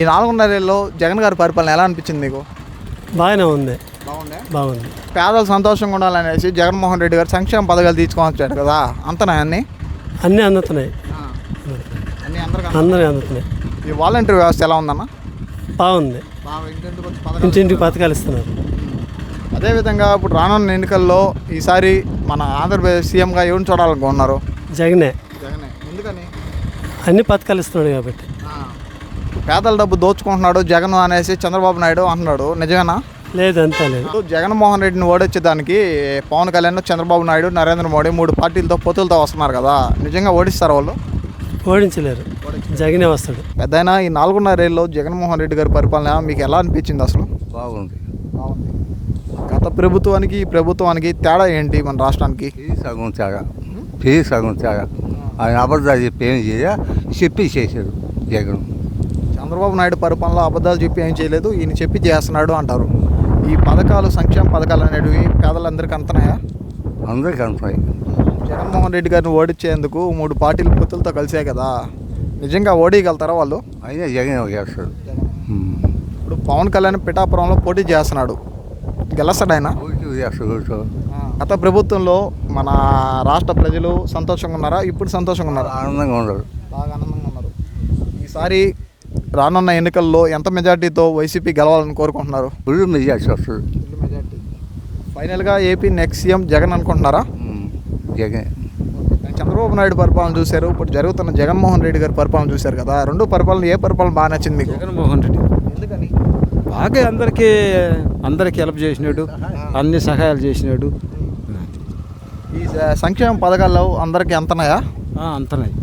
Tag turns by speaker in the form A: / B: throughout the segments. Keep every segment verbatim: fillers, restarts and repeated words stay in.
A: ఈ నాలుగున్నరేళ్ళలో జగన్ గారి పరిపాలన ఎలా అనిపించింది మీకు?
B: బాగానే ఉంది.
A: బాగుంది
B: బాగుంది.
A: పేదలు సంతోషంగా ఉండాలనేసి జగన్మోహన్ రెడ్డి గారు సంక్షేమ పథకాలు తీసుకొచ్చాడు కదా, అంతనా అన్ని
B: అన్నీ అందుతున్నాయి.
A: అన్ని అందరికీ
B: అందరూ అందుతున్నాయి.
A: ఈ వాలంటీర్ వ్యవస్థ ఎలా ఉందన్న?
B: బాగుంది. ఇంటింటికి పథకాలు ఇస్తున్నారు.
A: అదేవిధంగా ఇప్పుడు రానున్న ఎన్నికల్లో ఈసారి మన ఆంధ్రప్రదేశ్ సీఎంగా ఎవరిని చూడాలనుకుంటున్నారు?
B: జగనే.
A: జగనే. ఎందుకని?
B: అన్ని పథకాలు ఇస్తున్నాడు కాబట్టి.
A: పేదల డబ్బు దోచుకుంటున్నాడు జగన్ అనేసి చంద్రబాబు నాయుడు అంటున్నాడు, నిజమేనా?
B: లేదు, అంతా లేదు.
A: జగన్మోహన్ రెడ్డిని ఓడించేదానికి పవన్ కళ్యాణ్, చంద్రబాబు నాయుడు, నరేంద్ర మోడీ మూడు పార్టీలతో పొత్తులతో వస్తున్నారు కదా, నిజంగా ఓడిస్తారు వాళ్ళు?
B: ఓడించలేరు. జగనే వస్తాడు.
A: పెద్దయినా ఈ నాలుగున్నరేళ్ళలో జగన్మోహన్ రెడ్డి గారి పరిపాలన మీకు ఎలా అనిపించింది అసలు?
C: బాగుంది.
A: బాగుంది. గత ప్రభుత్వానికి ఈ ప్రభుత్వానికి తేడా ఏంటి మన రాష్ట్రానికి?
C: ఫీ సగం తేడా. ఫీ సగం తేడా. ఆయన అబద్ధాలు చెప్పి ఏం చేయ చెప్పి చేశాడు జగన్.
A: చంద్రబాబు నాయుడు పరిపాలనలో అబద్ధాలు చెప్పి ఏం చేయలేదు, ఈయన చెప్పి చేస్తున్నాడు అంటారు. ఈ పథకాలు, సంక్షేమ పథకాలు అనేటివి పేదలందరికీ అంతనాయా?
C: అందరికీ అంటున్నాయి.
A: జగన్మోహన్ రెడ్డి గారిని ఓడించేందుకు మూడు పార్టీలు పొత్తులతో కలిసే కదా, నిజంగా ఓడిగలుగుతారా వాళ్ళు?
C: అయినా జగన్ చేస్తాడు.
A: ఇప్పుడు పవన్ కళ్యాణ్ పిఠాపురంలో పోటీ చేస్తున్నాడు, గెలుస్తాడు ఆయన?
C: చేస్తాడు.
A: గత ప్రభుత్వంలో మన రాష్ట్ర ప్రజలు సంతోషంగా ఉన్నారా, ఇప్పుడు సంతోషంగా ఉన్నారా?
C: ఆనందంగా ఉండదు.
A: బాగా ఆనందంగా ఉన్నారు. ఈసారి రానున్న ఎన్నికల్లో ఎంత మెజార్టీతో వైసీపీ గెలవాలని కోరుకుంటున్నారు?
C: ఫుల్ మెజార్టీ వస్తుంది.
A: మెజార్టీ. ఫైనల్గా ఏపీ నెక్స్ట్ సీఎం జగన్ అనుకుంటున్నారా?
C: జగన్.
A: చంద్రబాబు నాయుడు పరిపాలన చూశారు, ఇప్పుడు జరుగుతున్న జగన్మోహన్ రెడ్డి గారి పరిపాలన చూశారు కదా, రెండు పరిపాలన ఏ పరిపాలన బాగా నచ్చింది మీకు?
D: జగన్మోహన్ రెడ్డి.
A: ఎందుకని?
D: బాగా అందరికీ అందరికీ హెల్ప్ చేసినాడు, అన్ని సహాయాలు చేసినాడు.
A: ఈ సంక్షేమ పథకాల్లో అందరికీ అంతనాయా?
D: అంతనాయి.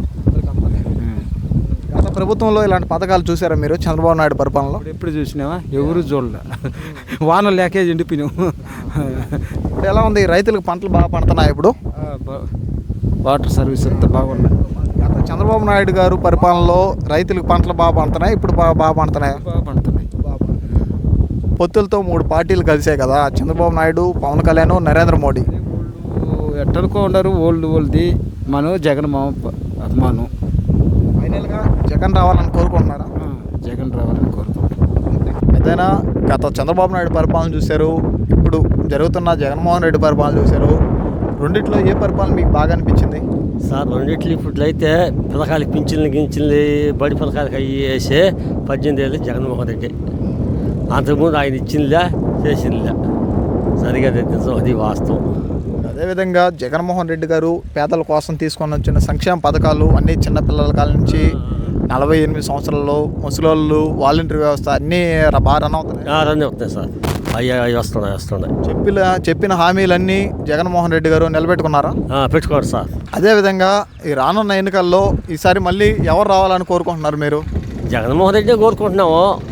A: గత ప్రభుత్వంలో ఇలాంటి పథకాలు చూసారా మీరు చంద్రబాబు నాయుడు పరిపాలనలో?
D: ఎప్పుడు చూసినావా? ఎవరు చూడలే. వానలు లేకే ఎండిపోయినాం.
A: ఇప్పుడు ఎలా ఉంది? రైతులకు పంటలు బాగా పండుతున్నాయి ఇప్పుడు?
D: వాటర్ సర్వీస్ అంతా బాగున్నాయి.
A: గత చంద్రబాబు నాయుడు గారు పరిపాలనలో రైతులకు పంటలు బాగా పండుతున్నాయి, ఇప్పుడు బాగా బాగా పండుతున్నాయి.
D: బాగా పండుతున్నాయి.
A: పొత్తులతో మూడు పార్టీలు కలిసాయి కదా, చంద్రబాబు నాయుడు, పవన్ కళ్యాణ్, నరేంద్ర మోడీ.
D: ఎట్టనుకో ఉండరు ఓల్డ్ ఓల్డ్ది. మనం జగన్ మా అభిమానం.
A: ఫైనల్గా జగన్ రావాలని కోరుకుంటున్నారా?
D: జగన్ రావాలని కోరుకుంటున్నాం.
A: ఏదైనా గత చంద్రబాబు నాయుడు పరిపాలన చూశారు, ఇప్పుడు జరుగుతున్న జగన్మోహన్ రెడ్డి పరిపాలన చూశారు, రెండిట్లో ఏ పరిపాలన మీకు బాగా అనిపించింది?
E: సార్ రెండిట్లు ఇప్పుడు అయితే పథకాలు పింఛన్లు గించింది బడి పథకాలకు అయ్యి వేసే పద్దెనిమిది ఏళ్ళు జగన్మోహన్ రెడ్డి. అంతకుముందు ఆయన ఇచ్చిందిలే చేసిందిలే. సరిగా నిజం, అది వాస్తవం.
A: అదేవిధంగా జగన్మోహన్ రెడ్డి గారు పేదల కోసం తీసుకొని వచ్చిన సంక్షేమ పథకాలు అన్నీ చిన్నపిల్లల కాల నుంచి నలభై ఎనిమిది సంవత్సరాల్లో ముసలోళ్ళు, వాలంటీర్ వ్యవస్థ అన్నీ బాగా రన్ అవుతున్నాయి.
E: రన్ అవుతున్నాయి సార్. అయ్యా అవి వస్తున్నాయి వస్తున్నాయి.
A: చెప్పిన చెప్పిన హామీలన్నీ జగన్మోహన్ రెడ్డి గారు నిలబెట్టుకున్నారా?
E: పెట్టుకోండి సార్.
A: అదేవిధంగా ఈ రానున్న ఎన్నికల్లో ఈసారి మళ్ళీ ఎవరు రావాలని కోరుకుంటున్నారు మీరు?
E: జగన్మోహన్ రెడ్డి కోరుకుంటున్నాము.